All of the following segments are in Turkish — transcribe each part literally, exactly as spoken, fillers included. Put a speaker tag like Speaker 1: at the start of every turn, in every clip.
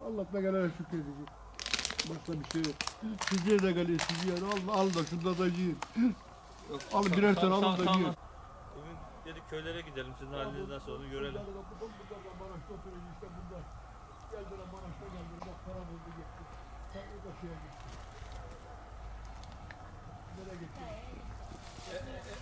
Speaker 1: Allah'ına gelene şükredecek. Başka bir şey yok. Size de geliyor, siz yer al, al da şunda da yiyin. Alın birer tane alın da yiyin.
Speaker 2: Bugün dedik köylere gidelim, sizin halinizden sonra onu görelim.
Speaker 1: Maraş'ta oturuyor işte bunlar. Geldiler Maraş'ta geldiler, bak para buldu gitti. Sen o da şeye gitti. Nereye gitti? E, e, e.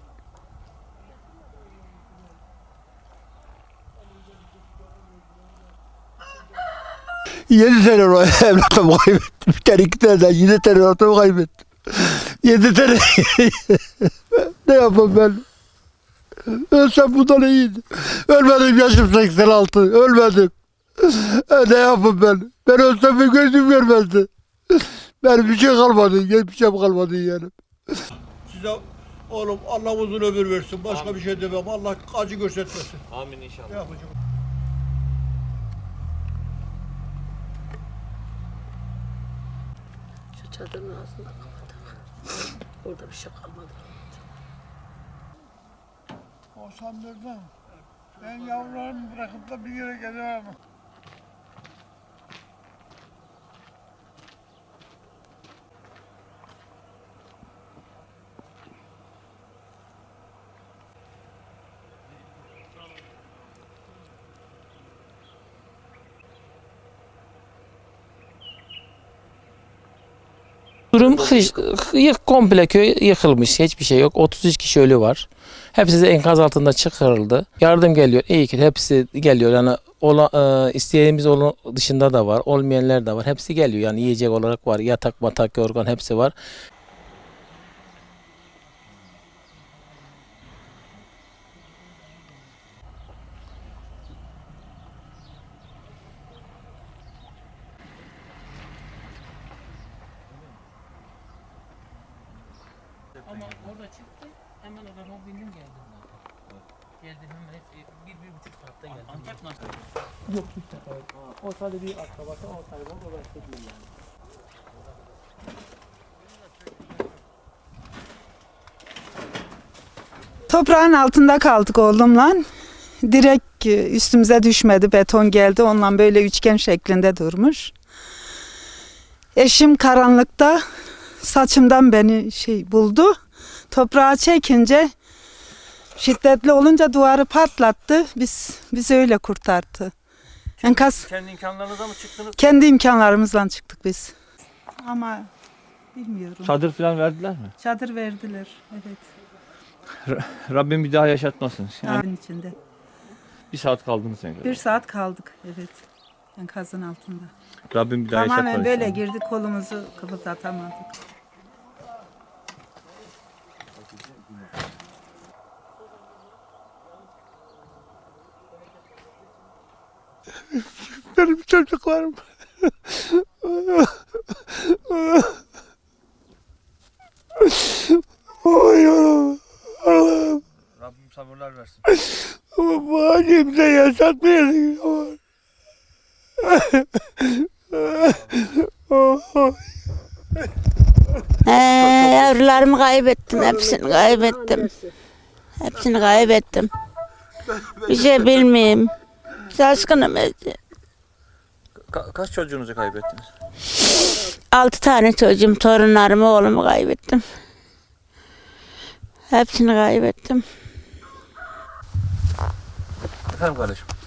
Speaker 1: Yedi tane evlatımı kaybettim. Bir tane iki tane daha. Yedi tane evlatımı kaybettim. Yedi tane. Ne yapayım ben? Ölsem bundan iyiydi. Ölmedim, yaşım seksen altı. Ölmedim. E, ne yapayım ben? Ben ölsem bir gözüm görmezdi. Benim bir şey kalmadı. Hiçbir şey kalmadı yani. Size oğlum Allah uzun ömür versin. Başka Amin. Bir şey demem. Allah acı göstermesin.
Speaker 2: Amin inşallah.
Speaker 1: Ne yapacağım?
Speaker 3: Şu çadırın ağzını kapatalım. Orada bir şey kalmadı.
Speaker 1: O sandırdım. Ben yavrularımı bırakıp da bir yere gelemem.
Speaker 4: Durum hış, yık, komple köy yıkılmış. Hiçbir şey yok. otuz üç kişi ölü var. Hepsi de enkaz altında çıkarıldı. Yardım geliyor. İyi ki hepsi geliyor. Yani ola, e, isteyenimiz olan dışında da var. Olmayanlar da var. Hepsi geliyor. Yani yiyecek olarak var. Yatak, matak, yorgan hepsi var.
Speaker 3: Ama orada çıktı, hemen araba bindim geldim zaten. Geldim hemen hep bir, bir buçuk saatte geldim. Antep nasıl? Yok hiç sefer. O sadece bir akrabası, o sadece o başka değil yani.
Speaker 5: Toprağın altında kaldık oğlumla. Direkt üstümüze düşmedi, beton geldi. Ondan böyle üçgen şeklinde durmuş. Eşim karanlıkta saçımdan beni şey buldu. Toprağa çekince şiddetli olunca duvarı patlattı. Biz biz öyle kurtardı. Enkaz
Speaker 2: Kendi imkanlarınızla mı çıktınız?
Speaker 5: kendi imkanlarımızla çıktık biz. Ama bilmiyorum.
Speaker 2: Çadır falan verdiler mi?
Speaker 5: Çadır verdiler. Evet.
Speaker 2: Rabbim bir daha yaşatmasın. Yani
Speaker 5: Dağın içinde.
Speaker 2: bir saat kaldınız yani.
Speaker 5: Bir saat kaldık. Evet. Enkazın altında.
Speaker 2: Rabbim bir daha
Speaker 5: Tamamen
Speaker 2: yaşatmasın.
Speaker 5: böyle girdik, kolumuzu kıpırdatamadık.
Speaker 1: Benim çocuklarım. Oy Allah'ım. Allah'ım.
Speaker 2: Rabbim sabırlar versin.
Speaker 1: Bu halimde yaşatmayasın.
Speaker 6: Ee, yavrularımı kaybettim, hepsini kaybettim. Hepsini kaybettim. Bir şey bilmeyeyim. Şaşkınım.
Speaker 2: Ka- kaç çocuğunuzu kaybettiniz?
Speaker 6: Altı tane çocuğum, torunlarımı, oğlumu kaybettim. Hepsini kaybettim.
Speaker 2: Efendim kardeşim.